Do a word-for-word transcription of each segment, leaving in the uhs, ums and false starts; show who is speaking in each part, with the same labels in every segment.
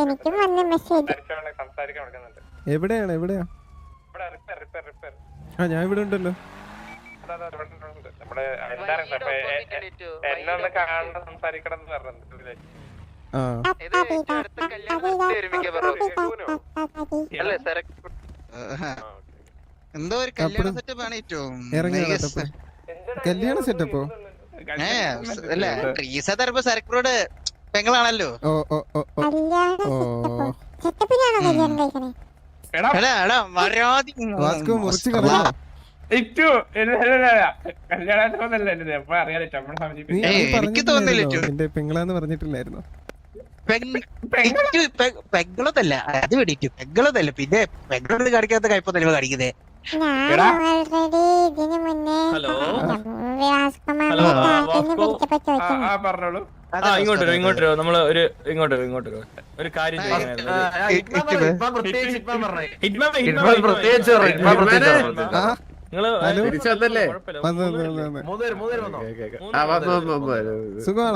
Speaker 1: എനിക്കും വന്ന മെസ്സേജ്.
Speaker 2: എവിടെയാണ് എവിടെയാ? ആ ഞാൻ ഇവിടെ ഉണ്ടല്ലോ.
Speaker 3: എന്തോ ഒരു കല്യാണ സെറ്റപ്പ് ആണ് ഏറ്റവും
Speaker 2: കല്യാണ സെറ്റപ്പോ?
Speaker 3: അല്ല ട്രീസ തരപ്പോ സരക്കോട് പെങ്ങളാണല്ലോ.
Speaker 2: ഓ ഓ ഓ വാസ്കോ മുറിച്ച് കളയാ.
Speaker 3: എനിക്ക് തോന്നുന്നില്ല
Speaker 2: എന്റെ പെങ്ങളാന്ന് പറഞ്ഞിട്ടില്ലായിരുന്നു.
Speaker 3: പെങ്ങളതല്ല അത് വേണ്ടിട്ട് പെങ്ങളതല്ല പിന്നെ പെങ്ങളോട് കാണിക്കാത്ത കയ്പൊന്നല്ല കാണിക്കുന്നേ.
Speaker 4: ഇങ്ങോട്ട് ഇങ്ങോട്ട് നമ്മള് ഒരു ഇങ്ങോട്ട് ഇങ്ങോട്ട് ഒരു കാര്യം
Speaker 2: സുഖമാണോ?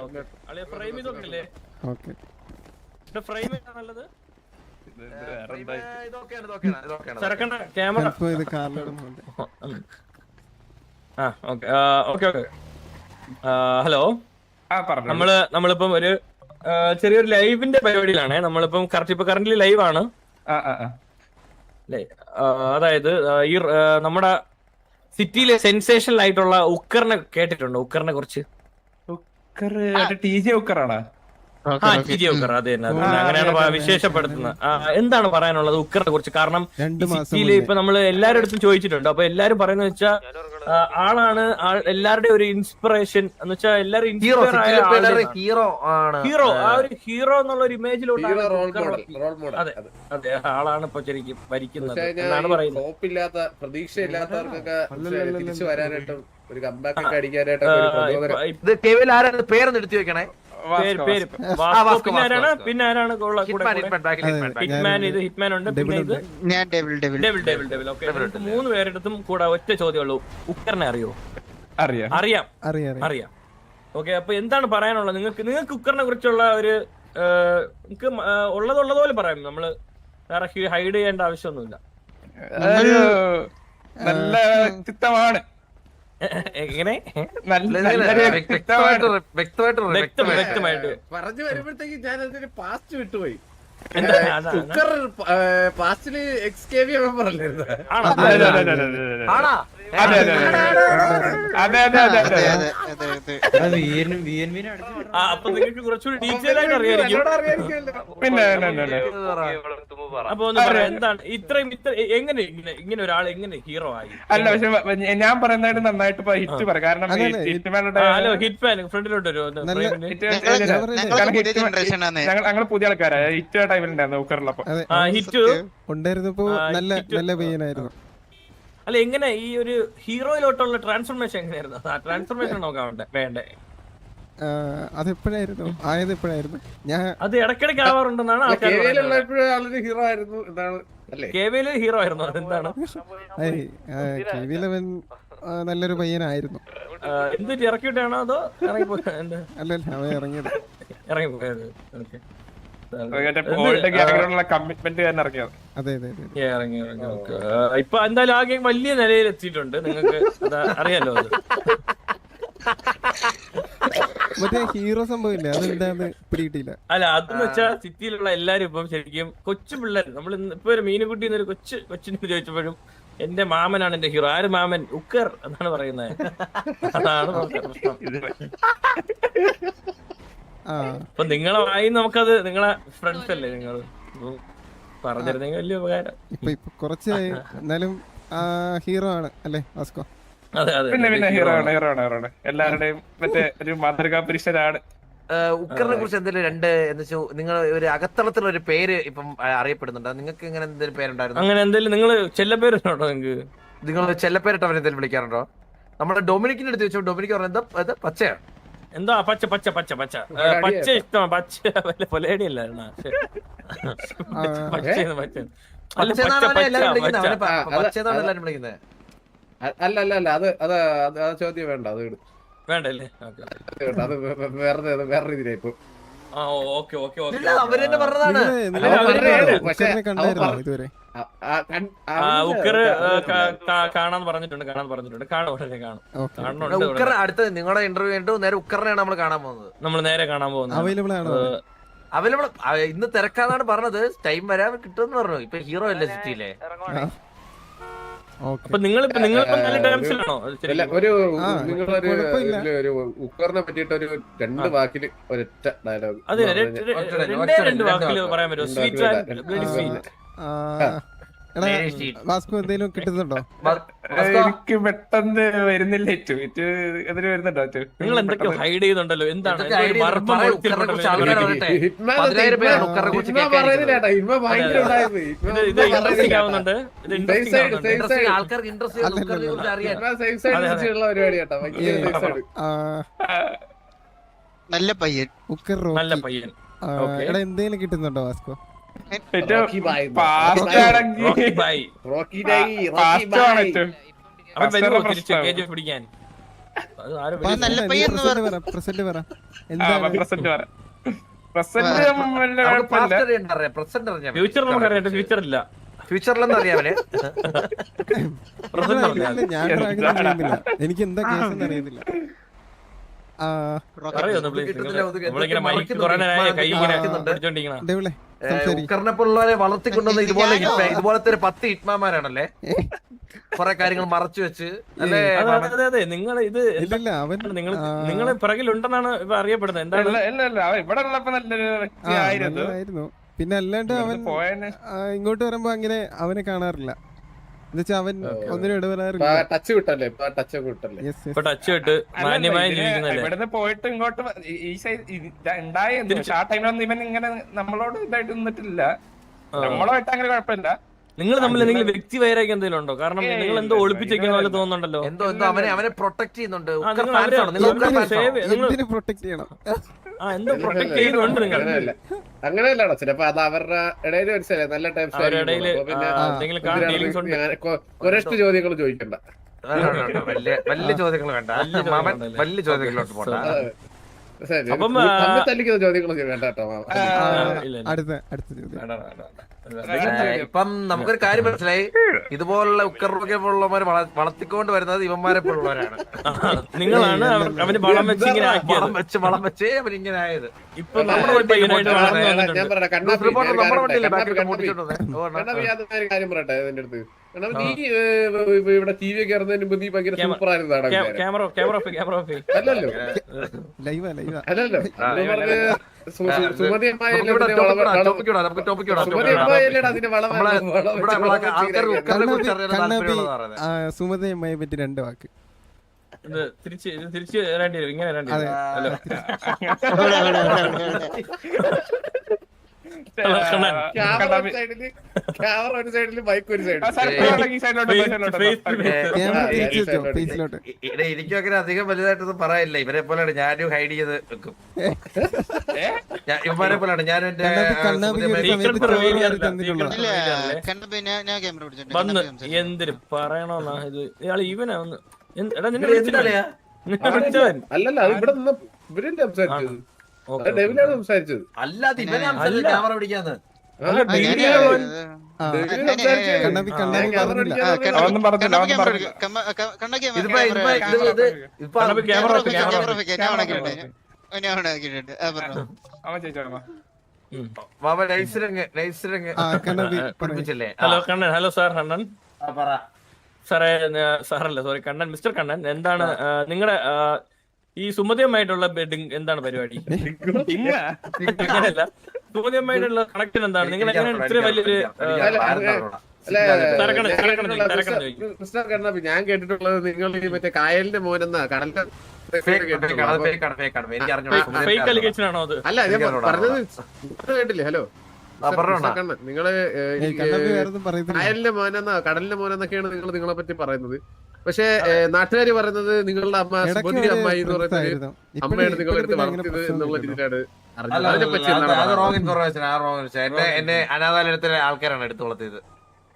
Speaker 4: ഹലോ, നമ്മള് നമ്മളിപ്പം ഒരു ചെറിയൊരു ലൈവിന്റെ പരിപാടിയിലാണ്. നമ്മളിപ്പം കറക്റ്റ് ഇപ്പൊ കറന്റ് ലൈവ് ആണ്. അതായത് ഈ നമ്മുടെ സിറ്റിയിലെ സെൻസേഷണൽ ആയിട്ടുള്ള ഉക്കറിനെ കേട്ടിട്ടുണ്ടോ? ഉക്കറിനെ കുറിച്ച്.
Speaker 5: ടി ജെ ഉക്കറാണ്.
Speaker 4: ആ ടി ജെ ഉക്കർ, അത് തന്നെ, അങ്ങനെയാണ് വിശേഷപ്പെടുത്തുന്നത്. എന്താണ് പറയാനുള്ളത് ഉക്കറിനെ കുറിച്ച്? കാരണം സിറ്റിയില് ഇപ്പൊ നമ്മള് എല്ലാവരുടെ അടുത്തും ചോദിച്ചിട്ടുണ്ട്. അപ്പൊ എല്ലാരും പറയുന്നത് വെച്ചാൽ ആളാണ് എല്ലാവരുടെയും ഒരു ഇൻസ്പിറേഷൻ എന്ന് വെച്ചാൽ എല്ലാരും ഇൻസ്പയർ ആയ
Speaker 6: ഹീറോ ആണ്.
Speaker 4: ഹീറോ, ആ ഒരു ഹീറോ എന്നുള്ള ഒരു ഇമേജിലോട്ട് അതെ അതെ ആളാണ് ഇപ്പൊ ശരിക്കും ഭരിക്കുന്നത് എന്നാണ് പറയുന്നത്.
Speaker 7: പ്രതീക്ഷയില്ലാത്തവർക്കൊക്കെ തിരിച്ചു വരാനായിട്ടും ഒരു കമ്പാക്ക് ഒക്കെ അടിക്കാനായിട്ടും
Speaker 6: പേരൊന്ന് എടുത്തു വെക്കണേ.
Speaker 4: പിന്നെ ആരാണ് പിന്നെ ആരാണ് ഹിറ്റ്മാൻ? ഇത് ഹിറ്റ്മാൻ ഉണ്ട്, പിന്നെ ഇത് ഡെവിൾ ഡെവിൾ ഡെവിൾ. ഓക്കെ, മൂന്ന് പേരെടുത്തും കൂടെ ഒറ്റ ചോദ്യമുള്ളൂ. ഉക്കറിനെ അറിയോ?
Speaker 5: അറിയാം
Speaker 4: അറിയാം അറിയാം ഓക്കെ, അപ്പൊ എന്താണ് പറയാനുള്ളത് നിങ്ങൾക്ക്? നിങ്ങൾക്ക് ഉക്കറിനെ കുറിച്ചുള്ള ഒരു നിങ്ങൾക്ക് ഉള്ളതുള്ളതുപോലെ പറയാം. നമ്മള് വേറെ ഹൈഡ് ചെയ്യേണ്ട ആവശ്യമൊന്നുമില്ല.
Speaker 5: നല്ല വ്യക്തിത്വമാണ്.
Speaker 4: എങ്ങനെ
Speaker 6: വ്യക്തമായിട്ട്
Speaker 7: പറഞ്ഞു വരുമ്പോഴത്തേക്ക് ഞാൻ അതിന്റെ പാസ്റ്റ് വിട്ടുപോയി. പാസ്റ്റില് എക്സ് കെ വി മെമ്പർ അല്ലായിരുന്നു.
Speaker 4: അപ്പൊ നിങ്ങൾക്ക് കുറച്ചുകൂടി ഡീറ്റെയിൽ ആയിട്ട് അറിയായിരിക്കും.
Speaker 5: പിന്നെ
Speaker 4: അപ്പൊ ഒന്ന് പറയാം, എന്താണ് ഇത്രയും ഇത്ര എങ്ങനെ ഇങ്ങനെ ഇങ്ങനെ ഒരാൾ എങ്ങനെ ഹീറോ ആയി?
Speaker 5: അല്ല, പക്ഷെ ഞാൻ പറയുന്നതായിട്ട് നന്നായിട്ട് ഹിറ്റ് പറയാം. കാരണം
Speaker 4: ഹലോ ഹിറ്റ്മാൻ ഫ്രണ്ടിലോട്ട് വരുമോ?
Speaker 5: ഞങ്ങൾ പുതിയ ആൾക്കാരാണ്. ഹിറ്റ് ടൈമിലുണ്ടായിരുന്നു ഉക്കറിലപ്പോ
Speaker 4: ഹിറ്റ്
Speaker 2: ഉണ്ടായിരുന്നപ്പോ നല്ല നല്ല പയ്യനായിരുന്നു.
Speaker 4: അല്ല, എങ്ങനെ ഈ ഒരു ഹീറോയിലോട്ടുള്ള ട്രാൻസ്ഫോർമേഷൻ എങ്ങനെയായിരുന്നു? ആ ട്രാൻസ്ഫോർമേഷൻ നോക്കാൻ വേണ്ടേ?
Speaker 2: അതെപ്പോഴായിരുന്നു ആയത്? എപ്പോഴായിരുന്നു? ഞാൻ
Speaker 4: അത് ഇടയ്ക്കിടയ്ക്ക് ആവാറുണ്ടെന്നാണ് ആൾക്കാർ.
Speaker 7: ഹീറോ ആയിരുന്നു. എന്താണ്
Speaker 4: കെവിയില് ഹീറോ ആയിരുന്നു? അതെന്താണ്?
Speaker 2: കെവിയിലവൻ നല്ലൊരു പയ്യനായിരുന്നു.
Speaker 4: എന്ത് ഇറക്കിയിട്ടാണോ അതോ ഇറങ്ങിപ്പോ?
Speaker 2: അല്ലല്ല, അവൻ ഇറങ്ങിയത്
Speaker 4: ഇറങ്ങിപ്പോയത്. ഓക്കെ,
Speaker 5: കമ്മിറ്റ്മെന്റ് ഇറങ്ങിയത്.
Speaker 2: അതെ അതെ
Speaker 4: ഇറങ്ങി ഇറങ്ങി ഓക്കെ. ഇപ്പൊ എന്തായാലും ആകെ വലിയ നിലയിൽ എത്തിയിട്ടുണ്ട്. നിങ്ങൾക്ക് അറിയാലോ അത്.
Speaker 2: മറ്റേ ഹീറോ സംഭവമില്ല, അതെന്താന്ന് പിടികിട്ടില്ല.
Speaker 4: അല്ല, അതെന്ന് വെച്ചാൽ സിറ്റിയിലുള്ള എല്ലാരും ഇപ്പം ശരിക്കും കൊച്ചു പിള്ളേർ. നമ്മൾ ഇപ്പൊ ഒരു മീനുകുട്ടി എന്നൊരു കൊച്ചു കൊച്ചിന് ചോദിച്ചപ്പോഴും എന്റെ മാമനാണ് എന്റെ ഹീറോ. ആര് മാമൻ? ഉക്കർ എന്നാണ് പറയുന്നത്. അതാണ് പ്രശ്നം. അപ്പൊ നിങ്ങളെ വായി നമുക്കത് നിങ്ങളെ ഫ്രണ്ട്സ് അല്ലേ നിങ്ങൾ പറഞ്ഞിരുന്നെങ്കിൽ വലിയ ഉപകാരം.
Speaker 2: ഇപ്പൊ ഇപ്പൊ കുറച്ചായി എന്നാലും ഹീറോ ആണ് അല്ലേ വാസ്കോ?
Speaker 4: അതെ അതെ,
Speaker 5: പിന്നെ പിന്നെ ഹീറോ ആണ് ഹീറോ ആണ് ഹീറോ ആണ് എല്ലാവരുടെയും മറ്റേ ഒരു മാതൃകാ പുരുഷനാണ്.
Speaker 6: ഉക്കറിനെ കുറിച്ച് എന്തെങ്കിലും രണ്ട് എന്ന് വെച്ചാൽ നിങ്ങൾ ഒരു അകത്തളത്തിലുള്ള ഒരു പേര് ഇപ്പം അറിയപ്പെടുന്നുണ്ടോ? നിങ്ങൾക്ക് ഇങ്ങനെ എന്തെങ്കിലും പേരുണ്ടായിരുന്നു?
Speaker 4: അങ്ങനെ എന്തെങ്കിലും നിങ്ങൾ ചെല്ലപ്പേരുണ്ടോ? നിങ്ങൾക്ക്
Speaker 6: നിങ്ങൾ ചെല്ലപ്പേരിട്ട് അവരെ എന്തെങ്കിലും വിളിക്കാറുണ്ടോ? നമ്മുടെ ഡൊമിനിക്കിന്റെ അടുത്ത് ചോദിച്ചു. ഡൊമിനിക്ക് പറഞ്ഞത് എന്താ പച്ചയാണ്?
Speaker 4: എന്താ പച്ച പച്ച പച്ച പച്ച പച്ച ഇഷ്ടമാണ്. പച്ച വല്ല പൊലേടിയല്ലായിരുന്ന പച്ച പച്ച
Speaker 6: എല്ലാരും വിളിക്കുന്നത്.
Speaker 7: അല്ല അല്ല അല്ല അത് അത് ആ ചോദ്യം വേണ്ട. അത്
Speaker 4: വേണ്ടല്ലേ?
Speaker 7: അത് വേറെ വേറെ രീതിയിലായി ഇപ്പൊ.
Speaker 4: ആ ഓക്കെ ഓക്കെ ഓക്കെ
Speaker 6: ഇല്ല അവരെന്നെ പറഞ്ഞതാണ്.
Speaker 2: നിങ്ങള്
Speaker 4: അല്ല, അവര്
Speaker 2: നിങ്ങള്
Speaker 7: പക്ഷേ
Speaker 2: ഉക്കറിനെ കണ്ടായിരുന്നോ
Speaker 7: അവൻ
Speaker 2: ഇതുവരെ?
Speaker 7: ആ- ആ കൺ-
Speaker 4: ആ
Speaker 7: അവനില്ല.
Speaker 4: ഉക്കർ
Speaker 7: അവനില്ല.
Speaker 4: കാണാൻ പറഞ്ഞിട്ടുണ്ട് കാണാൻ പറഞ്ഞിട്ടുണ്ട് കാണും ഉടനെ കാണും
Speaker 2: ഓക്കെ
Speaker 4: കാണുന്നുണ്ട്
Speaker 6: ഉക്കർ അടുത്ത നിങ്ങളുടെ ഇന്റർവ്യൂ കഴിഞ്ഞിട്ട് നേരെ ഉക്കറിനെയാണ് നമ്മൾ കാണാൻ പോകുന്നത്.
Speaker 4: നമ്മൾ നേരെ കാണാൻ പോകുന്നത്
Speaker 2: അവൈലബിൾ ആണോ?
Speaker 6: അവൈലബിൾ ഇന്ന് തിരക്കാന്നാണ് പറഞ്ഞത്. ടൈം വരാൻ കിട്ടുമെന്ന് പറഞ്ഞു. ഇപ്പൊ ഹീറോ അല്ലേ സിറ്റിയിലെ.
Speaker 2: ഓക്കെ
Speaker 4: അപ്പൊ നിങ്ങളിപ്പോ നിങ്ങളിപ്പോ നല്ല ടേംസിലാണോ
Speaker 7: ഇല്ല, ഒരു
Speaker 2: ആ,
Speaker 7: നിങ്ങളൊരു
Speaker 2: കുഴപ്പമില്ല.
Speaker 7: ഇതില് ഒരു ഉക്കറിനെ പറ്റിയിട്ട് ഒരു രണ്ട് വാക്കില് ഒരൊറ്റ ഡയലോഗ്
Speaker 4: അതെ രണ്ടേ രണ്ട് വാക്കില് പറയാൻ പറ്റുമോ? Sweet and very sweet.
Speaker 2: എടാ
Speaker 6: Very sweet.
Speaker 2: വാസ്കോ എന്തെങ്കിലും കിട്ടുന്നുണ്ടോ?
Speaker 5: എനിക്ക് പെട്ടെന്ന് വരുന്നില്ല ഏറ്റവും ഏറ്റവും എതിര് വരുന്നുണ്ടോ ഏറ്റവും
Speaker 4: നിങ്ങൾ എന്തൊക്കെയോ ഹൈഡ് ചെയ്യുന്നുണ്ടല്ലോ എന്താണ്
Speaker 6: എന്തൊക്കെ
Speaker 4: എന്തോ ഒരു
Speaker 6: hide ചെയ്യുന്നു?
Speaker 4: മർമ്മം
Speaker 6: പറയൂ,
Speaker 4: ഒളിച്ചിൽ
Speaker 6: ഉക്കറിനെ കുറിച്ച്
Speaker 4: പെട്ടല്ലോ.
Speaker 6: ആൾക്കാര് പറയട്ടെ. പതിനായിരം പേരാണ് ഉക്കറിനെ കുറിച്ച്
Speaker 7: ഇമ്മ പറയുന്നില്ല ചേട്ടാ, ഇമ്മ ഭയങ്കര ഉണ്ടായിരുന്നു. ഇമ്മ
Speaker 4: ഇത് ഇത്
Speaker 7: ഒന്നും
Speaker 4: ഇൻട്രസ്റ്റിംഗ്
Speaker 7: പറയുന്നില്ല.
Speaker 4: ആവുന്നുണ്ട് ഇത്
Speaker 7: Same
Speaker 4: ഇൻട്രസ്റ്റിംഗ്
Speaker 7: side,
Speaker 4: ആവുന്നുണ്ട്
Speaker 7: same
Speaker 6: Interesting,
Speaker 7: side.
Speaker 6: ആൾക്കാർക്ക് ഇൻട്രസ്റ്റ് ഉക്കറിനെ കുറിച്ച് അറിയാൻ.
Speaker 7: ഇമ്മ same side
Speaker 4: അതെ, അതെ.
Speaker 7: വെച്ചുള്ള പരിപാടി ചേട്ടാ, ഭയങ്കര same side.
Speaker 2: ആ,
Speaker 3: നല്ല പയ്യൻ.
Speaker 2: ഉക്കർ
Speaker 4: നല്ല
Speaker 2: റോക്കി.
Speaker 4: പയ്യൻ.
Speaker 2: ആ,
Speaker 4: ഓക്കേ.
Speaker 2: എടാ എന്തെങ്കിലും കിട്ടുന്നുണ്ടോ വാസ്കോ?
Speaker 7: റോക്കി ബായ്.
Speaker 5: ഫാസ്റ്റ് ആണെങ്കിൽ
Speaker 4: Rocky bhai.
Speaker 7: Rocky die, Rocky
Speaker 5: fast ആണ്
Speaker 7: ബായ്.
Speaker 5: ഏറ്റവും
Speaker 4: അവൻ വരുമോ
Speaker 5: ഫസ്റ്റ്
Speaker 4: തിരിച്ച്
Speaker 5: പ്രശ്നം.
Speaker 4: കെ ജി എഫ് പിടിക്കാൻ? അത് ആരും
Speaker 3: ആ, നല്ല
Speaker 2: നീ
Speaker 3: പയ്യൻ എന്ന്
Speaker 2: present പറ, present പറ. എന്താണ്?
Speaker 5: പ്രസന്റ് വരാം പ്രസന്റ് വലിയ
Speaker 6: നമുക്ക്
Speaker 5: കുഴപ്പമില്ല.
Speaker 6: past അറിയണ്ട, അറിയാം. present അറിഞ്ഞാൽ മതി.
Speaker 4: ഫ്യൂച്ചർ നമുക്കറിയാം ഫ്യൂച്ചർ ഇല്ല.
Speaker 6: ഫ്യൂച്ചറിലെന്ന് അറിയാമല്ലേ.
Speaker 4: പ്രസന്റ്
Speaker 2: ഇല്ല,
Speaker 4: പറഞ്ഞാൽ
Speaker 2: ഇല്ല, ഞാൻ ഡ്രാഗൺ ചെയ്യുന്നില്ല. എനിക്ക് എന്താ കേസ് എന്ന് അറിയുന്നില്ല. ആ,
Speaker 4: അറിയോ പ്ലീസ്
Speaker 6: കിട്ടുന്നില്ല, ഒതുക്കി
Speaker 4: നമ്മളിങ്ങനെ
Speaker 6: എന്തൊക്കെ
Speaker 4: മൈക്ക് കുറെ നേരമായി കൈ ഇങ്ങനെ
Speaker 6: മറക്കുന്നുണ്ട്.
Speaker 4: പിടിച്ചോണ്ടിരിക്കണം.
Speaker 2: ഡെവിളെ
Speaker 6: ഏ,
Speaker 2: സംസാരിക്ക്.
Speaker 6: ഉക്കറിനെ പോലുള്ളവരെ വളർത്തിക്കൊണ്ടുവന്ന ഇതുപോലെ ഹിറ്റ്- ഇതുപോലത്തെ ഒരു പത്ത് ഹിറ്റ്മാന്മാരാണല്ലേ. കുറെ കാര്യങ്ങൾ മറച്ചു വെച്ച് അല്ലേ.
Speaker 4: അതെ അതെ അതെ അതെ നിങ്ങൾ ഇത്
Speaker 2: ഇല്ലില്ല, അവൻ
Speaker 4: നിങ്ങൾ
Speaker 2: ആ,
Speaker 4: നിങ്ങൾ പിറകിലുണ്ടെന്നാണ് ഇപ്പൊ അറിയപ്പെടുന്നത്. എന്താണ്
Speaker 5: ഇല്ല ഇല്ല ഇല്ല അവൻ ഇവിടെ ഉള്ളപ്പോ നല്ലൊരു
Speaker 2: ആ,
Speaker 5: വ്യക്തി ആയിരുന്നു.
Speaker 2: നല്ലതായിരുന്നു. പിന്നെ അല്ലാണ്ട് അവൻ
Speaker 5: പോയതിന്
Speaker 2: ആ, ഇങ്ങോട്ട് വരുമ്പോ അങ്ങനെ അവനെ കാണാറില്ല. എന്നുവെച്ചാ അവൻ ഒന്നിനും
Speaker 7: ഇപ്പൊ
Speaker 2: ഇടപെടാറില്ല.
Speaker 7: ടച്ച് വിട്ടല്ലേ, ഇപ്പൊ ടച്ച് ഒക്കെ വിട്ടല്ലേ.
Speaker 2: Yes, yes.
Speaker 4: ഇപ്പൊ ടച്ച് ഇട്ട് മാന്യമായി ജീവിക്കുന്നല്ലേ?
Speaker 5: ഇവിടുന്ന് പോയിട്ട് ഇങ്ങോട്ട് വ- ഈ- ഈ സൈഡ് ഉണ്ടായിരുന്നു. പക്ഷെ ആ ടൈമിലൊന്നും ഇവൻ ഇങ്ങനെ നമ്മളോട് ഇതായിട്ട് നിന്നിട്ടില്ല. നമ്മളായിട്ട് അങ്ങനെ കുഴപ്പമില്ല.
Speaker 4: നിങ്ങൾ തമ്മിൽ എന്തെങ്കിലും വ്യക്തി വൈരാഗ്യം എന്തെങ്കിലും ഉണ്ടോ? കാരണം
Speaker 5: ഏയ്
Speaker 4: നിങ്ങൾ എന്തോ
Speaker 5: ഇല്ല,
Speaker 4: ഒളിപ്പിച്ചേക്കുന്ന പോലെ
Speaker 5: ഇല്ല.
Speaker 4: തോന്നുന്നുണ്ടല്ലോ.
Speaker 6: എന്തോ എന്തോ അവനെ അവനെ പ്രൊട്ടക്ട് ചെയ്യുന്നുണ്ട്.
Speaker 4: ആ,
Speaker 6: ഉക്കർ
Speaker 4: നിങ്ങൾ
Speaker 6: fans
Speaker 4: അവരെ-
Speaker 6: ആണ്. നിങ്ങൾ ഉക്കർ
Speaker 4: എന്തിന്
Speaker 6: fans ആണോ?
Speaker 4: save- നിങ്ങൾ
Speaker 2: എന്തിനു പ്രൊട്ടക്ട് ചെയ്യണം?
Speaker 4: ആ എന്തോ പ്രൊട്ടക്ട് ചെയ്യുന്നുണ്ട് നിങ്ങൾ.
Speaker 7: അങ്ങനെയല്ല അങ്ങനെയല്ലടാ, ചിലപ്പോ അത് അവരുടെ ഇടയിൽ മനസ്സിലായി നല്ല ടൈംസ്
Speaker 4: അവരുടെ ഇടയില്
Speaker 7: പിന്നെ
Speaker 4: ആ, എന്തെങ്കിലും കാണാൻ ഡീലിങ്സ് ഉണ്ട്.
Speaker 7: ഞാൻ കുറച്ച് ചോദ്യങ്ങൾ ചോദിക്കണ്ട.
Speaker 6: വേണ്ട, വേണ്ട, വേണ്ട. വലിയ വലിയ ചോദ്യങ്ങൾ വേണ്ട.
Speaker 4: വലിയ ചോദ്യങ്ങൾ
Speaker 6: മാമൻ
Speaker 4: വേണ്ടല്ലേ?
Speaker 6: വലിയ ചോദ്യങ്ങളിലോട്ട് പോണ്ട.
Speaker 7: ശരി,
Speaker 4: അപ്പം,
Speaker 7: ഒരു
Speaker 4: ആ,
Speaker 7: തമ്മിൽ തല്ലിക്കുന്ന ചോദ്യങ്ങൾ വേണ്ട കേട്ടോ മാമ.
Speaker 2: ആ,
Speaker 4: ഇല്ല, ഇല്ല.
Speaker 2: അടുത്ത അടുത്ത ചോദ്യം.
Speaker 4: വേണ്ട, വേണ്ട, വേണ്ട.
Speaker 6: ഏ, ഇപ്പം നമുക്കൊരു കാര്യം മനസ്സിലായി. ഇതുപോലുള്ള ഉക്കറൊക്കെ പോലുള്ളവരെ വളർത്തിക്കൊണ്ട് വരുന്നത് ഇവന്മാരെ പോലുള്ളവരാണ്.
Speaker 4: ആ, നിങ്ങളാണ് അവർ- അവന് വളം വെച്ച് ഇങ്ങനെ ആക്കിയത്.
Speaker 6: വളം വെച്ച് വളം വെച്ചേ അവരിങ്ങനെ ആയത്.
Speaker 4: ഇപ്പൊ നമ്മുടെ ഒരു പയ്യനായിട്ട് വളർന്നു
Speaker 7: ഞാൻ
Speaker 4: വന്നിട്ടുണ്ട്.
Speaker 7: പറയട്ടെ,
Speaker 6: ഗ്രൂപ്പ്
Speaker 7: കണ്ണാപ്പി,
Speaker 6: റിപ്പോർട്ടർ
Speaker 7: ഞാൻ
Speaker 6: നമ്മുടെ
Speaker 7: കാര്യം
Speaker 6: വണ്ടിയില്ലേ
Speaker 7: പറയട്ടെ,
Speaker 6: ബാക്കിൽ
Speaker 7: കണ്ണാപ്പി,
Speaker 6: മുടിച്ചിട്ടുണ്ട്.
Speaker 7: കണ്ണാപ്പി, ഞാൻ ഒരു കാര്യം പറയട്ടെ ഇതിന്റെ അടുത്ത്. കാരണം നീ ഏ, ഇവിടെ ടി വി കയറുന്നതിന് മുമ്പ് നീ ഭയങ്കര
Speaker 4: ക്യാമ-
Speaker 7: സൂപ്പർ ആയിരുന്നതാണ്
Speaker 4: ക്യാ- camera camera off camera off
Speaker 7: അല്ലല്ലോ
Speaker 2: ലൈവാ ലൈവാ.
Speaker 7: അല്ലല്ലോ
Speaker 6: ആ,
Speaker 7: ഇത് പറഞ്ഞ് സു- സു- സുമതി അമ്മായി
Speaker 6: നമുക്ക് ഇവിടെ topic ഇടാം, topic ഇടാം, നമുക്ക് topic ഇടാം.
Speaker 7: സുമതി അമ്മായിയല്ലേടാ അതിന്റെ വളം
Speaker 6: നമ്മളെ
Speaker 7: വളം
Speaker 6: ഇവിടെ
Speaker 7: വെച്ച്
Speaker 6: നമ്മളെ
Speaker 7: വളം
Speaker 6: ആൾക്കാർ
Speaker 7: വെച്ച്
Speaker 6: ഉക്കറിനെ കുറിച്ച്
Speaker 2: കണ്ണാപ്പി
Speaker 6: അറിയാൻ
Speaker 2: കണ്ണാപ്പി
Speaker 6: താല്പര്യമുള്ളതാണ് പറയുന്നത്.
Speaker 2: ആ, സുമതി അമ്മയെ പറ്റി രണ്ട് വാക്ക്.
Speaker 4: ഇത് തിരിച്ച് ഇത് തിരിച്ച് വരേണ്ടി വരും ഇങ്ങനെ വരേണ്ടി
Speaker 2: അതെ.
Speaker 4: വരും. ഹലോ
Speaker 3: ഇവിടെ, ഇവിടെ, ഇവിടെ, ഇവിടെ.
Speaker 4: ഹലോ, കണ്ണൻ.
Speaker 7: ക്യാമറ ഒരു സൈഡില് ക്യാമറ ഒരു സൈഡില് ബൈക്ക് ഒരു സൈഡില്
Speaker 5: ഈ സൈഡിലോട്ട്
Speaker 4: Face-
Speaker 5: സൈഡിലോട്ട്
Speaker 4: face to
Speaker 6: ഏ,
Speaker 4: face.
Speaker 2: ക്യാമറ
Speaker 7: ആ,
Speaker 2: തിരിച്ചു
Speaker 7: ഈ
Speaker 2: വെച്ചോ
Speaker 7: സൈഡിലോട്ട്.
Speaker 2: ഫേസിലോട്ട്.
Speaker 6: ഇ- ഇവിടെ എനിക്കും അങ്ങനെ അധികം വലുതായിട്ടൊന്നും പറയാനില്ല. ഇവരെ പോലെയാണ് ഞാനും ഹൈഡ് ചെയ്ത് വെക്കും. ഞാൻ- ഇവന്മാരെ പോലെയാണ് ഞാനും എന്റെ
Speaker 2: കണ്ണാപ്പി കണ്ണാപ്പിക്ക് ഒരു
Speaker 4: Secret
Speaker 2: സമയത്ത്
Speaker 4: reveal
Speaker 2: ചോറ് വാരി
Speaker 4: ചെയ്യാറില്ല.
Speaker 2: തന്നിട്ടുള്ളതാ.
Speaker 3: ഇല്ല
Speaker 4: ഇല്ല.
Speaker 3: കണ്ടപ്പോ ഞാൻ ഞാൻ ക്യാമറ പിടിച്ചിട്ടുണ്ട്.
Speaker 4: വന്ന്
Speaker 3: കണ്ണാപ്പി സംസാരിച്ചു.
Speaker 4: എന്തിന് പറയണോന്നാ ഇത് ഇയാള് ഇവനാ ഒന്ന് എന്ത്- എടാ നിന്നെ
Speaker 6: ഇവര്
Speaker 4: വിളിച്ചില്ലേ?
Speaker 6: എന്തിനാ?
Speaker 4: നിന്നെ വിളിച്ചവൻ
Speaker 7: അല്ലല്ല അത് ഇവിടെ നിന്ന് ഇവരല്ലേ സംസാരിച്ചത്.
Speaker 4: ഓക്കേ,
Speaker 7: അത് ഡെവിലാണ് സംസാരിച്ചത്.
Speaker 6: അല്ലാതെ ഇവനെ
Speaker 4: അല്ല.
Speaker 6: ക്യാമറ പിടിക്കാന്ന്.
Speaker 7: ആ,
Speaker 3: ആ, ഞാൻ-
Speaker 7: ഡെവിലാണ്
Speaker 2: ആ,
Speaker 7: ഡെവില്
Speaker 3: ഞാൻ-
Speaker 7: സംസാരിച്ചത്.
Speaker 2: കണ്ണാപ്പി കണ്ണാപ്പി
Speaker 7: ക്യാമറ
Speaker 2: പറഞ്ഞില്ല.
Speaker 7: പിടിക്കാന്ന്
Speaker 3: ആ,
Speaker 5: അവനൊന്നും പറഞ്ഞില്ല,
Speaker 3: കണ്ണാപ്പി
Speaker 5: അവനൊന്നും
Speaker 3: ക്യാമറ
Speaker 5: പറഞ്ഞില്ല.
Speaker 3: എടുക്ക്. കമ്മ- ക- കണ്ണ ക്യാമറ,
Speaker 6: ഇതിപ്പോ
Speaker 3: ക്യാമറ
Speaker 6: ഇതിപ്പോ
Speaker 3: എടുക്ക്.
Speaker 6: ഇത് ഇത് ഇപ്പൊ
Speaker 4: കണ്ണാപ്പി ക്യാമറ
Speaker 3: ക്യാമറ
Speaker 4: വെക്ക്,
Speaker 3: വെക്ക്,
Speaker 4: ക്യാമറ
Speaker 3: ക്യാമറ വെക്ക്. വെക്ക്. ഞാൻ ഉണക്കിയിട്ടുണ്ട്. ഞാൻ ഉണക്കിയിട്ടുണ്ട്. ആ, പറഞ്ഞോ.
Speaker 5: അവൻ ചോദിച്ചോ
Speaker 4: ഉം.
Speaker 6: മാമ നൈസിരങ്ങ് നൈസിരങ്ങ്
Speaker 2: ആ, കണ്ണാപ്പി പറഞ്ഞു.
Speaker 6: പഠിപ്പിച്ചില്ലേ?
Speaker 4: Hello Kannan. Hello sir Kannan.
Speaker 6: ആ, പറ.
Speaker 4: സാറേ ഞാ- സാറല്ല സോറി കണ്ണൻ, മിസ്റ്റർ കണ്ണൻ. എന്താണ് നിങ്ങളുടെ ഈ സുമതിയുമായിട്ടുള്ള ബെഡിങ് എന്താണ് പരിപാടി? അങ്ങനെയല്ല, സുമതിയുമായിട്ടുള്ള കണക്ഷൻ എന്താണ്? നിങ്ങൾ എങ്ങനെയാണ് ഇത്ര വലിയൊരു ആ,
Speaker 7: അല്ല, അത് അല്ല,
Speaker 4: തിരക്കണം,
Speaker 7: ഞാൻ
Speaker 4: തിരക്കണം,
Speaker 7: കേട്ടിട്ടുള്ള
Speaker 4: തിരക്കണം
Speaker 7: മിസ്റ്റർ-
Speaker 4: ചോദിക്കും.
Speaker 7: മിസ്റ്റർ കണ്ണാപ്പി, ഞാൻ കേട്ടിട്ടുള്ളത് നിങ്ങൾ ഈ മറ്റേ കായലിന്റെ മോനെന്നാ കടലിന്റെ
Speaker 6: Fake, fake ആണ്, fake ആണ്, fake ആണ്. എനിക്ക് അറിഞ്ഞൂടാ.
Speaker 4: ഫേക്ക് അലിഗേഷൻ ആണോ അത്?
Speaker 7: അല്ല ഞാൻ പറഞ്ഞത് നിങ്ങൾ കേട്ടില്ലേ? ഹലോ
Speaker 6: ആ, പറഞ്ഞോടാ.
Speaker 7: മിസ്റ്റർ കണ്ണൻ, നിങ്ങള് ഏ, ഈ,
Speaker 2: ഏയ്, കണ്ണാപ്പി വേറെ ഒന്നും പറയത്തില്ല.
Speaker 7: കായലിന്റെ മോനെന്നാ കടലിന്റെ മോനെന്നൊക്കെയാണ് നിങ്ങൾ നിങ്ങളെ പറ്റി പറയുന്നത്. പക്ഷെ നാട്ടുകാർ പറയുന്നത് നിങ്ങളുടെ അമ്മ
Speaker 2: ഇടയ്ക്ക്
Speaker 7: സുമതി
Speaker 2: ഒരു
Speaker 7: അമ്മായി എന്ന് പറയുന്നത്
Speaker 2: പ്രശ്നമായിരുന്നു. ഇപ്പഴും-
Speaker 7: അമ്മയാണ് നിങ്ങൾ
Speaker 2: ഇപ്പഴും
Speaker 7: എടുത്ത്
Speaker 2: പിന്നെ അങ്ങനെ
Speaker 7: വളർത്തിയത് എന്നുള്ള
Speaker 2: പ്രശ്നമൊന്നുമില്ല.
Speaker 7: രീതിയിലാണ്
Speaker 6: അല്ല,
Speaker 7: അറിഞ്ഞത്.
Speaker 6: അല്ല,
Speaker 7: അതിനെ
Speaker 6: അല്ല,
Speaker 7: പറ്റി
Speaker 6: അത്
Speaker 7: എന്താണ്
Speaker 6: അത്
Speaker 7: പറയുന്നത്?
Speaker 6: Wrong information. ആ റോങ് ഇൻഫർമേഷൻ. എന്നെ എന്നെ അനാഥാലയത്തിലെ ആൾക്കാരാണ് എടുത്തു വളർത്തിയത്.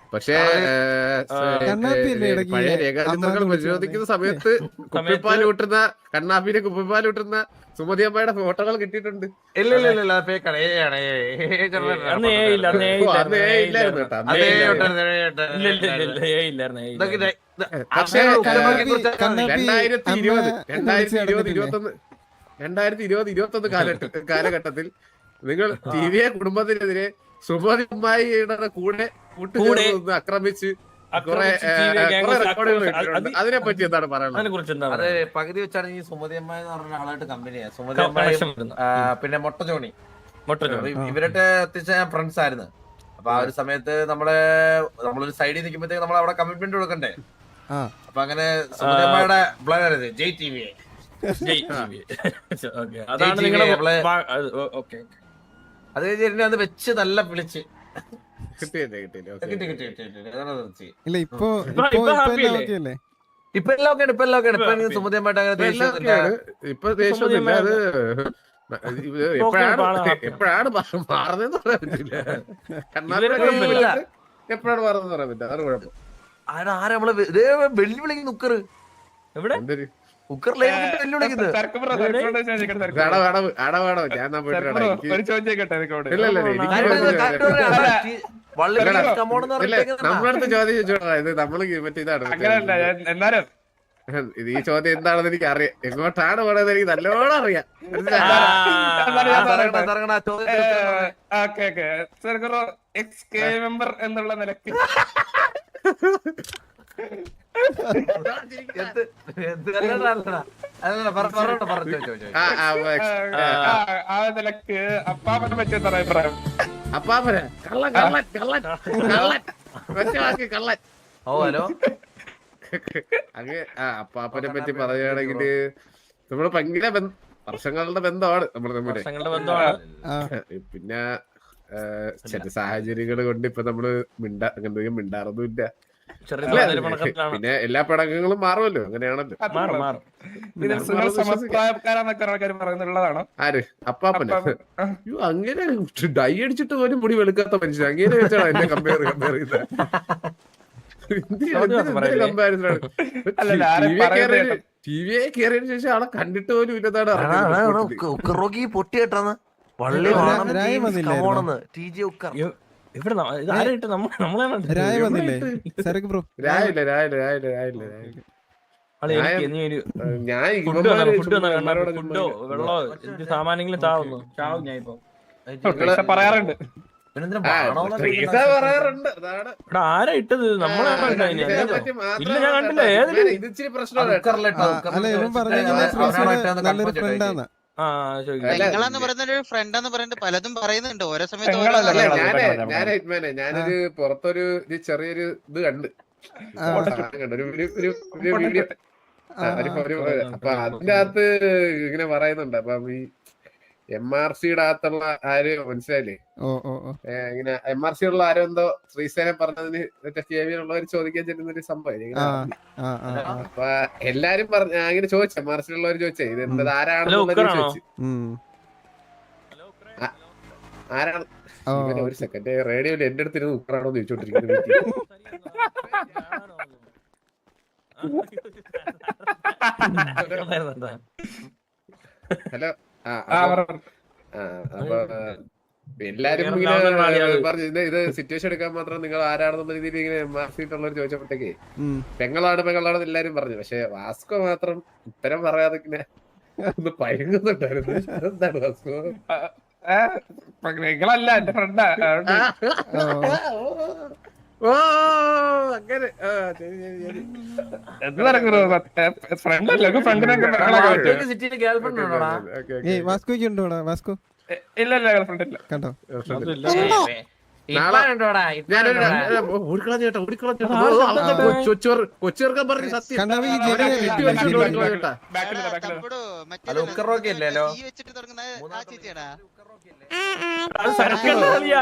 Speaker 7: പക്ഷേ
Speaker 2: കണ്ണാപ്പിയല്ലേ ഇടയ്ക്ക്
Speaker 7: പഴയ
Speaker 2: ഈ
Speaker 7: രേഖാചിത്രങ്ങൾ
Speaker 2: അമ്മാന്ന്
Speaker 7: പരിശോധിക്കുന്ന സമയത്ത് കുപ്പിപ്പാൽ കൂട്ടുന്ന കണ്ണാപ്പിനെ കുപ്പിപ്പാൽ കൂട്ടുന്ന സുമതി അമ്മയുടെ ഫോട്ടോകൾ കിട്ടിയിട്ടുണ്ട്.
Speaker 6: ഇല്ല ഇല്ല ഇല്ല ഫേക്കാണ് ഏ ആണ് ഏ
Speaker 4: അന്ന് ഏ ഇല്ല അന്ന് ഏ
Speaker 7: ഓ,
Speaker 4: ഇല്ല
Speaker 7: അന്ന് ഏ ഇല്ലായിരുന്നു കേട്ടോ. അന്ന്
Speaker 6: അതേ
Speaker 7: ഏ ഇല്ലായിരുന്നു.
Speaker 4: ഇല്ല ഇല്ല ഇല്ല ഏ ഇല്ലായിരുന്നു ഏ ഇല്ലായിരുന്നു.
Speaker 7: പക്ഷേ
Speaker 2: കണ്ണാപ്പി
Speaker 7: രണ്ടായിരത്തി ഇരുപത്
Speaker 2: അമ്മ
Speaker 7: രണ്ടായിരത്തി ഇരുപത്
Speaker 2: വിളിച്ച്
Speaker 7: ഇരുപത്തൊന്ന് രണ്ടായിരത്തി ഇരുപത് ഇരുപത്തൊന്ന് കാലഘട്ട കാലഘട്ടത്തിൽ നിങ്ങൾ ടി വി എ കുടുംബത്തിനെതിരെ സുമതി അമ്മായിയുടെ കൂടെ കൂട്ടുചേർന്ന് ആക്രമിച്ച് കുറെ റെക്കോർഡുകൾ കിട്ടിയിട്ടുണ്ട്. അതിനെ പറ്റി എന്താണ് പറയാനുള്ളത്?
Speaker 4: അതിനെ കുറിച്ച് എന്താണ്
Speaker 6: അത് പകുതി വെച്ചാണ് ഈ സുമതി അമ്മായി എന്ന് പറഞ്ഞ ആളായിട്ട് കമ്പനിയാണ്. സുമതി അമ്മായി
Speaker 4: connection വരുന്നത്?
Speaker 6: പിന്നെ മൊട്ട ജോണി
Speaker 4: മൊട്ട ജോണി.
Speaker 6: ഇവരുടെ അത്യാവശ്യം ഫ്രണ്ട്സ് ആയിരുന്നു. അപ്പൊ ആ ഒരു സമയത്ത് നമ്മള് നമ്മളൊരു സൈഡിൽ നിൽക്കുമ്പോഴത്തേക്ക് നമ്മൾ അവിടെ കമ്മിറ്റ്മെന്റ് കൊടുക്കണ്ടേ.
Speaker 2: ആ
Speaker 6: അപ്പൊ അങ്ങനെ സുമതി അമ്മയുടെ blood Jai T V
Speaker 4: Jai TV. Okay. അതാണ് നിങ്ങളുടെ
Speaker 6: നമ്മളെ-
Speaker 4: വാ- അത് ഓ- ഓക്കേ.
Speaker 6: അത് കഴിഞ്ഞ് അത് വെച്ച് നല്ല വിളിച്ച്
Speaker 7: കിട്ടിയില്ലേ കിട്ടിയില്ലേ ഓക്കേ.
Speaker 6: കിട്ടി കിട്ടി കിട്ടി കിട്ടി. അതാണ് നിർത്തി.
Speaker 2: ഇല്ല ഇപ്പൊ
Speaker 4: ഇപ്പൊ-
Speaker 2: ഇപ്പൊ
Speaker 4: ഇപ്പൊ
Speaker 2: ഇപ്പൊ
Speaker 4: happy
Speaker 2: എല്ലാം
Speaker 4: അല്ലേ?
Speaker 2: ഓക്കെ അല്ലേ?
Speaker 6: ഇപ്പൊ എല്ലാം ഒക്കെ ഇപ്പൊ എല്ലാം ഒക്കെ ഇപ്പൊ എനിക്ക്
Speaker 4: ഇപ്പൊ
Speaker 6: സുമതി അമ്മയുടെ അങ്ങനെ
Speaker 7: ഇപ്പൊ എല്ലാം
Speaker 6: ദേഷ്യമൊന്നുമില്ല.
Speaker 7: ഒക്കെയാണ്. ഇപ്പൊ ദേഷ്യമൊന്നുമില്ല. അത് ഇത് എപ്പോഴാണ് എപ്പോഴാണ് മാറുന്നതെന്ന് പറയാൻ പറ്റില്ല. കണ്ണാപ്പി എപ്പോഴാണ് മാറുന്നത് പറയാൻ പറ്റില്ല. അതാണ് കുഴപ്പം.
Speaker 6: ആരാ ആരാ നമ്മളെ വെ- ദേ വെല്ലു വിളിക്കുന്നു ഉക്കറ്
Speaker 4: എവിടെ?
Speaker 7: എന്തൊരു
Speaker 6: ഉക്കറിലേക്ക് വെല്ലു വിളിക്കുന്നത്.
Speaker 5: തിരക്ക് ബ്രോ, തിരക്ക് ബ്രോ ചോദിക്കട്ടെ, തിരക്ക് ബ്രോ.
Speaker 7: അടവ് അടവ് അടവാടോ ഞാൻ എന്നാ പോയിട്ട്
Speaker 5: തിരക്ക്
Speaker 7: വരാം.
Speaker 5: ബ്രോ,
Speaker 7: എനിക്ക്
Speaker 5: ഒരു ചോദ്യം ചോദിക്കട്ടെ എനിക്കോട്.
Speaker 7: ഇല്ല ഇല്ല എനിക്ക്
Speaker 6: കാര്യം
Speaker 7: ചോദ്യം
Speaker 6: കാര്യം
Speaker 7: ചോദിക്കാൻ-
Speaker 6: പറയാം. അതാ ടി- വള്ളി
Speaker 7: ഇല്ലടാ.
Speaker 6: കമോണെന്ന്
Speaker 7: ഇല്ല
Speaker 6: പറഞ്ഞിട്ടേക്കുന്നതാ.
Speaker 7: നമ്മളടുത്ത് ചോദ്യം ചോദിച്ചോടാ. ഇത് നമ്മള് മറ്റേ ഇതാണ്
Speaker 5: അങ്ങനല്ല ഞാൻ- എന്നാലും
Speaker 7: ഇത് ഈ ചോദ്യം എന്താണെന്ന് എനിക്ക് അറിയാം. എങ്ങോട്ടാണ് പോണത് എനിക്ക് നല്ലോണം അറിയാം. മനസ്സിലായോ?
Speaker 4: ആ,
Speaker 5: എന്നാലും ഞാൻ
Speaker 6: തരങ്ങണ,
Speaker 5: പറയട്ടെ.
Speaker 6: തരങ്ങണ, ആ ചോദ്യത്തിന് ഉത്തരം പറഞ്ഞേ.
Speaker 5: ഓക്കെ ഓക്കെ തിരക്ക് ബ്രോ, എക്സ് കെ മെമ്പർ എന്നുള്ള നിലയ്ക്ക്
Speaker 6: എന്ത് എന്ത് അല്ലടാ, അല്ലടാ. അല്ലടാ, പറ- പറഞ്ഞോട്ടെ, പറഞ്ഞോ, ചോദിച്ചോ, ചോദിച്ചോ.
Speaker 7: ആ, ആ,
Speaker 5: ആ, ആ, ആ നിലക്ക് അപ്പാപ്പനെ പറ്റി എന്താ അഭിപ്രായം?
Speaker 7: അപ്പാപ്പനെ കള്ളൻ കള്ളൻ കള്ളൻ കള്ളൻ ഒറ്റ വാക്ക് കള്ളൻ.
Speaker 6: ഓ ഹലോ
Speaker 7: അങ്ങ് ആ അപ്പാപ്പനെ പറ്റി പറയുകയാണെങ്കില് നമ്മള് ഭയങ്കര ബന്ധ- വർഷങ്ങളുടെ ബന്ധമാണ് നമ്മൾ തമ്മില്.
Speaker 4: വർഷങ്ങളുടെ ബന്ധമാണ്.
Speaker 2: ആ
Speaker 7: പിന്നെ ആ, ചില സാഹചര്യങ്ങൾ കൊണ്ട് ഇപ്പൊ നമ്മള് മിണ്ടാ എന്തെങ്കിലും മിണ്ടാറൊന്നുമില്ല.
Speaker 4: ചെറിയ
Speaker 7: അല്ലേ?
Speaker 4: ചെറിയ പണക്കത്തിലാണ്.
Speaker 7: പിന്നെ എല്ലാ പടക്കങ്ങളും മാറുമല്ലോ. അങ്ങനെയാണല്ലോ.
Speaker 4: മാറും മാറും.
Speaker 5: ഇത് സുഖ സമപ്രായക്കാരാന്നൊക്കെ ആൾക്കാർ പറയുന്നുള്ളതാണോ?
Speaker 7: ആര് അപ്പാപ്പന്
Speaker 5: അപ്പാപ്പൻ. ആ.
Speaker 7: അയ്യോ അങ്ങനെ ഡൈ അടിച്ചിട്ട് പോലും മുടി വെളുക്കാത്ത മനുഷ്യൻ അങ്ങനെ വെച്ചാണ് എന്നെ കമ്പയർ കമ്പയർ ചെയ്ത
Speaker 5: അല്ലല്ല, ആരെ പറയുന്നത് കേട്ടോ.
Speaker 7: ടി വിയെ കയറിയതിനു ശേഷം ആളെ കണ്ടിട്ട് പോലും ഇല്ലതാണ്
Speaker 6: എടാ, എടാ, എടാ, ഉക്ക- ഉക്കറോക്കി പൊട്ടി കേട്ടാന്ന് വള്ളി
Speaker 2: രാ-
Speaker 6: വാണം
Speaker 2: രായ
Speaker 6: ടീംസ്
Speaker 2: വന്നില്ലായിരുന്നോ?
Speaker 6: കമോണെന്ന് ടി ജി ഉക്കർ.
Speaker 4: ഇ- ഇവിടെ ന- ഇത് ആരായിട്ട് നമ്മ നമ്മളാണ്
Speaker 2: രായ വന്നില്ലേ സരക്ക് ബ്രോ?
Speaker 7: രാവിലെ രാവിലെ രാവിലെ രാവിലെ രാവിലെ
Speaker 4: ആളെ എനിക്ക് നീ ഒരു
Speaker 7: ഞാൻ
Speaker 4: ഫുഡ്
Speaker 7: ഇവന്മാര്
Speaker 4: ഫുഡ്
Speaker 7: ഇവന്മാരോട്
Speaker 4: ഫുഡോ വെള്ളോ എന്ത് സാമാനെങ്കിലും താവുന്നു ചാവും ഞാൻ ഇപ്പൊ.
Speaker 5: പക്ഷെ പറയാറുണ്ട്
Speaker 6: പിന്നെന്തിനാ
Speaker 7: ആ,
Speaker 6: വാണോന്ന്
Speaker 7: ട്രീസ പറയാറുണ്ട്. അതാണ്.
Speaker 4: ഇവിടെ ആരാ ഇട്ടത് നമ്മളാണ്
Speaker 7: ആ,
Speaker 4: ഇട്ടത്
Speaker 7: ഇതിനെ
Speaker 4: അതിനെ.
Speaker 7: പറ്റി മാത്രം
Speaker 4: ഇല്ല, ഞാൻ കണ്ടില്ല. ഏതില്?
Speaker 7: ഇത് ഇച്ചിരി പ്രശ്നമാണ് കേട്ടോ.
Speaker 6: ഉക്കറിലിട്ടോ,
Speaker 2: ആ,
Speaker 6: ഉക്കറിലിട്ടോ
Speaker 2: അല്ല ഇവൻ
Speaker 6: വെച്ചിട്ട്
Speaker 2: പറഞ്ഞേക്കുന്ന
Speaker 6: അവനായിട്ട്
Speaker 2: ഫ്രീസിന്
Speaker 6: ഒന്ന്
Speaker 2: നല്ലൊരു
Speaker 6: confirm ചെയ്തോ.
Speaker 2: ഫ്രണ്ടാന്ന്.
Speaker 4: ആ ചോദിക്കാം.
Speaker 7: അല്ല,
Speaker 3: പെങ്ങളെന്ന് പറയുന്ന ഒരു ഫ്രണ്ട് എന്ന് പറഞ്ഞിട്ട് പലതും പറയുന്നുണ്ട് ഓരോ സമയത്ത് ഓരോ
Speaker 5: പെങ്ങളല്ല,
Speaker 7: അല്ല,
Speaker 5: പെങ്ങളല്ല.
Speaker 7: ഞാനേ
Speaker 5: പെങ്ങളല്ല,
Speaker 7: ഞാനേ ഹിറ്റ്മാനെ ഞാനൊരു പുറത്തൊരു ഒരു ചെറിയൊരു ഇത് കണ്ട്
Speaker 2: ആ,
Speaker 7: സാധനം കണ്ടു. ഒരു ഒരു- ഒരു ഒരു വീഡിയോ
Speaker 2: ആ,
Speaker 7: ഒരു
Speaker 2: ആ.
Speaker 7: ഒരു അപ്പൊ അതിന്റെ അകത്ത് ഇങ്ങനെ പറയുന്നുണ്ട്. അപ്പം ഈ എം ആർ സിയുടെ അകത്തുള്ള ആര് മനസ്സിലായില്ലേ?
Speaker 2: ഓ ഓ ഓ
Speaker 7: ഏ, ഇങ്ങനെ എം ആർ സി ഉള്ള ആരോ എന്തോ ശ്രീസേനെ പറഞ്ഞതിന് മറ്റേ കെ വി ഉള്ളവർ ചോദിക്കാൻ ചെല്ലുന്ന ഒരു സംഭവം ഇങ്ങനെ
Speaker 2: ആ
Speaker 7: അറിഞ്ഞു.
Speaker 2: ആ ആ ആ.
Speaker 7: അപ്പൊ എല്ലാരും പറഞ്ഞ ഞാൻ ഇങ്ങനെ ചോദിച്ചു എം ആർ സി ഉള്ളവർ ചോദിച്ചേ ഇത് എന്തത് ആരാണെന്നുള്ളത്
Speaker 4: ഉക്കറാണോ?
Speaker 7: ചോദിച്ചു.
Speaker 2: ഉം.
Speaker 7: ആരാണ്
Speaker 2: ഓ
Speaker 7: ഇവനെ ഒരു സെക്കൻഡ് റേഡിയോയിൽ എന്റെ അടുത്ത് ഇരുന്ന് ഉക്കറാണോ എന്ന് ചോദിച്ചോണ്ടിരിക്കുന്നത്. ഹലോ ആ
Speaker 5: ആ,
Speaker 7: അപ്പൊ-
Speaker 5: പറ.
Speaker 7: ആ, അപ്പൊ ആ, എല്ലാരും
Speaker 4: വേറെ
Speaker 7: ഇങ്ങനെ
Speaker 4: ലെവലിലുള്ള ആളിയാ അത്.
Speaker 7: പറഞ്ഞു ഇത് ഇത് സിറ്റുവേഷൻ എടുക്കാൻ മാത്രം നിങ്ങൾ ആരാണെന്നുള്ള രീതിയിൽ ഇങ്ങനെ എം ആർ സി ഉള്ളവർ ചോദിച്ചപ്പോഴത്തേക്ക്
Speaker 2: ഉം.
Speaker 7: പെങ്ങളാണ് പെങ്ങളാണെന്ന് എല്ലാരും പറഞ്ഞു. പക്ഷെ വാസ്കോ മാത്രം ഉത്തരം പറയാതെ ഇങ്ങനെ ഒന്ന് പയങ്ങുന്നുണ്ടായിരുന്നു. എന്താണ് വാസ്കോ?
Speaker 5: ഏ, നിങ്ങളല്ല എന്റെ ഫ്രണ്ടാ.
Speaker 7: ഓ അങ്ങനെ ആ, ശരി, ശരി, ശരി.
Speaker 5: എന്ത് നടക്കുന്നു? ഫ്രണ്ട് അല്ലേ ഫ്രണ്ടിനൊക്കെ പെങ്ങളൊക്കെ പറ്റുമോ?
Speaker 6: വാസ്കോയ്ക്ക് സിറ്റിയില് ഗേൾഫ്രണ്ട് ഉണ്ടോടാ?
Speaker 7: Okay, okay.
Speaker 2: ഏയ് വാസ്കോയ്ക്ക് ഉണ്ടോ ഇവിടെ വാസ്കോ?
Speaker 5: എ- ഇല്ല ഇല്ല ഫ്രണ്ട് ഇല്ല.
Speaker 2: കണ്ടോ?
Speaker 6: ഇപ്പൊ ഉണ്ടോടാ? ഇപ്പൊ
Speaker 7: ഞാനൊരു
Speaker 6: ഉണ്ടോടാ?
Speaker 7: ഓടിക്കളഞ്ഞ ചേട്ടാ ഓടിക്കളഞ്ഞ
Speaker 2: ആ.
Speaker 7: കൊച്ചുകാർക്കാൻ പറഞ്ഞു സത്യം.
Speaker 2: കണ്ണാപ്പി
Speaker 7: അവനെ
Speaker 2: ജെനുവിൻ
Speaker 7: കെട്ടി
Speaker 2: അല്ലേ?
Speaker 7: വലിച്ചോണ്ട്
Speaker 2: ജെനുവിൻ.
Speaker 7: ഓടിക്കളഞ്ഞ കേട്ടാ.
Speaker 5: ബാക്കിലില്ല, ബാക്കിലില്ല.
Speaker 3: തമ്പുടോ, മറ്റേ
Speaker 6: അല്ല, ഉക്കറോക്കി ഇല്ലല്ലോ.
Speaker 3: ഈ വെച്ചിട്ട് തുടങ്ങുന്ന ആ ചേച്ചിയാടാ.
Speaker 4: അത് സരക്കല്ല കളിയാ.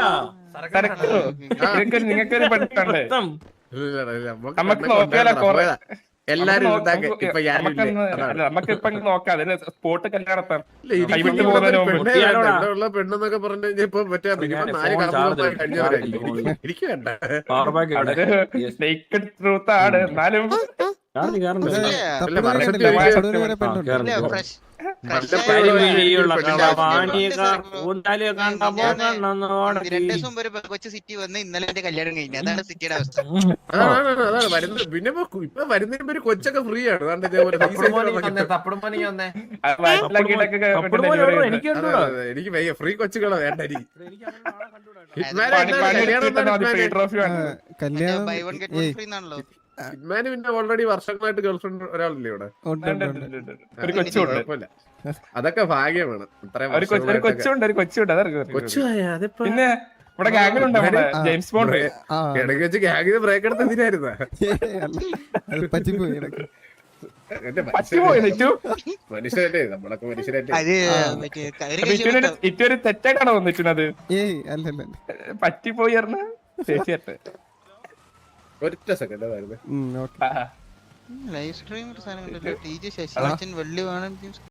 Speaker 5: തിരക്കോ? നിങ്ങൾക്കൊരു നിങ്ങൾക്കൊരു പഠിത്തണ്ടേ?
Speaker 4: മൊത്തം.
Speaker 7: ഇല്ല, ഇല്ല, ഇല്ല, നമുക്ക്
Speaker 5: നമുക്ക്
Speaker 7: കണ്ണൊക്കെ
Speaker 5: നോക്കിയാലോ
Speaker 7: ഉണ്ടാക്കണം.
Speaker 5: കുറെ
Speaker 7: പോയതാ. എല്ലാരും
Speaker 5: നമുക്ക്
Speaker 7: ഉണ്ടാക്കി
Speaker 5: നമുക്ക്
Speaker 7: ഇപ്പൊ ഞാനില്ലേ
Speaker 5: നമുക്കൊന്ന്
Speaker 7: അതാണ്
Speaker 5: അല്ല, നമുക്ക് ഇപ്പൊ അങ്ങ് നോക്കാം അതിന് സ്പോട്ട് കല്യാണത്താൻ
Speaker 7: ഇല്ല, എനിക്ക്
Speaker 5: കൈവിട്ട്
Speaker 7: ഇവിടെ
Speaker 5: പോകുന്നതിന്
Speaker 7: ഒരു
Speaker 5: മുമ്പ്
Speaker 7: പെണ്ണേ വേണ്ട.
Speaker 4: കുട്ടിയാലോടാ.
Speaker 7: ഇവിടെ ഉള്ള പെണ്ണെന്നൊക്കെ പറഞ്ഞു കഴിഞ്ഞാൽ ഇപ്പൊ മറ്റേ
Speaker 4: ഞാൻ
Speaker 7: മിനിമം നാല്
Speaker 4: ഫോൺ
Speaker 7: കടമ്പുമായി
Speaker 4: ചാർജ്
Speaker 7: കഴിഞ്ഞവരായിരിക്കും
Speaker 4: ചാർജ്
Speaker 7: എനിക്ക് എനിക്ക് വേണ്ട
Speaker 4: പവർ ബാങ്ക് ഇവിടെ
Speaker 5: അതൊരു നേക്കഡ് ട്രൂത്ത് ആണ് എന്നാലും
Speaker 4: ചാർജ് കയറുന്നുണ്ട്
Speaker 2: ഇത്
Speaker 7: അല്ല,
Speaker 2: തപ്പുടൂര്
Speaker 7: വർഷത്തിൽ
Speaker 2: കണ്ടില്ലേ?
Speaker 7: ഒരിക്കൽ-
Speaker 2: തപ്പുടൂര് വരെ പെണ്ണുണ്ട്.
Speaker 4: ആ, കേറുന്നു.
Speaker 3: ഫ്രഷ്
Speaker 4: കരിമിഴിയുള്ള കളവാണിക
Speaker 1: ഞാൻ-
Speaker 4: കൂന്തല് കണ്ടപ്പോ കണ്ണൊന്നോടെ
Speaker 1: രണ്ടു ദിവസം മുമ്പ് ഒരു കൊച്ചു സിറ്റി വന്ന് ഇന്നലെ എന്റെ കല്യാണം കഴിഞ്ഞു. അതാണ് സിറ്റിയുടെ അവസ്ഥ.
Speaker 7: അതാണ് അതാണ് അതാണ് വരുന്നത്. പിന്നെ ഇപ്പൊ ഇപ്പൊ വരുന്നതിന് മുമ്പ് ഒരു കൊച്ചൊക്കെ ഫ്രീ ആണ് അതാണ്ട് ഇതേപോലെ ഈ
Speaker 6: തപ്പുടും
Speaker 7: സൈഡിൽ
Speaker 6: മോനെ
Speaker 7: വന്നൊക്കെ.
Speaker 6: വന്നേ, തപ്പുടും മോനെ വന്നേ.
Speaker 5: വയറ്റിലാക്കിയിട്ടൊക്കെ
Speaker 4: അപ്പുറം
Speaker 5: ഡെലിവറി
Speaker 4: പോയി
Speaker 5: ചെയ്യുന്നത്.
Speaker 4: എനിക്ക്
Speaker 7: അതെ,
Speaker 4: കണ്ടൂടാ.
Speaker 7: അതെ, അതെ. എനിക്ക് വയ്യ ഫ്രീ കൊച്ചുകളെ വേണ്ട എനിക്ക്
Speaker 4: എനിക്ക് അങ്ങനെ ആളെ കണ്ടൂടാ.
Speaker 7: ഹിറ്റ്മാൻ
Speaker 5: പണി
Speaker 7: എന്താണ്
Speaker 5: പണി
Speaker 7: കല്യാണം
Speaker 5: എടുത്തിട്ട് മതി,
Speaker 7: എന്താണ്
Speaker 5: ഫ്രീ
Speaker 7: ഹിറ്റ്മാൻ?
Speaker 5: ട്രോഫി
Speaker 2: ആ,
Speaker 5: വേണം.
Speaker 2: കല്യാണം
Speaker 1: ബൈ വൺ ഗെറ്റ് വൺ
Speaker 2: ഏയ്
Speaker 1: ഫ്രീ എന്നാണല്ലോ.
Speaker 7: ഹിറ്റ്മാന് പിന്നെ ഓൾറെഡി വർഷങ്ങളായിട്ട് ഗേൾഫ്രണ്ട് ഒരാളില്ലേ ഇവിടെ
Speaker 2: ഉണ്ട് ഉണ്ട് ഉണ്ട്.
Speaker 5: ഉണ്ട്, ഉണ്ട്, ഉണ്ട്. ഒരു കൊച്ചുണ്ട്
Speaker 7: കുഴപ്പമില്ല അതൊക്കെ ഭാഗ്യമാണ് ഇത്രയും
Speaker 5: ഒരു കൊച്ചു- ഒരു
Speaker 7: വർഷങ്ങളായിട്ടൊക്കെ.
Speaker 5: കൊച്ചുണ്ട് ഒരു കൊച്ചുണ്ട് അതറിയാം
Speaker 7: കൊച്ചുമായ അതിപ്പോ
Speaker 5: പിന്നെ ഇവിടെ ഗാങ്ങിലുണ്ട് നമ്മുടെ
Speaker 2: ആ.
Speaker 5: ജെയിംസ് ബോണ്ട്
Speaker 2: ആ
Speaker 7: ഇടയ്ക്ക് വെച്ച് ഗ്യാങ്ങിന് ബ്രേക്ക് എടുത്ത് എന്തിനായിരുന്ന
Speaker 2: ഏയ് അല്ല. അത് പറ്റിപ്പോയി ഇടയ്ക്ക്.
Speaker 7: എന്റെ
Speaker 5: പറ്റുപോയി നിറ്റു
Speaker 7: മനുഷ്യരല്ലേ നമ്മളൊക്കെ മനുഷ്യരല്ലേ
Speaker 1: അത് മറ്റേ ഒരു
Speaker 5: അപ്പൊ ഇറ്റുവിന് ഇറ്റൊരു തെറ്റായിട്ടാണോ വന്നിട്ടുന്നത്
Speaker 2: ഏയ് അല്ല അല്ല അല്ല.
Speaker 5: പറ്റിപ്പോയി പറഞ്ഞ ചേച്ചിയായിട്ട്
Speaker 7: ഒറ്റ സെക്കൻഡ് അതായിരുന്നു
Speaker 2: ഉം, ഓക്കെ.
Speaker 5: ആ
Speaker 1: ലൈവ് സ്ട്രീം ഒരു സാധനം ടി ജി ശശികാച്ചൻ വെള്ളി വേണം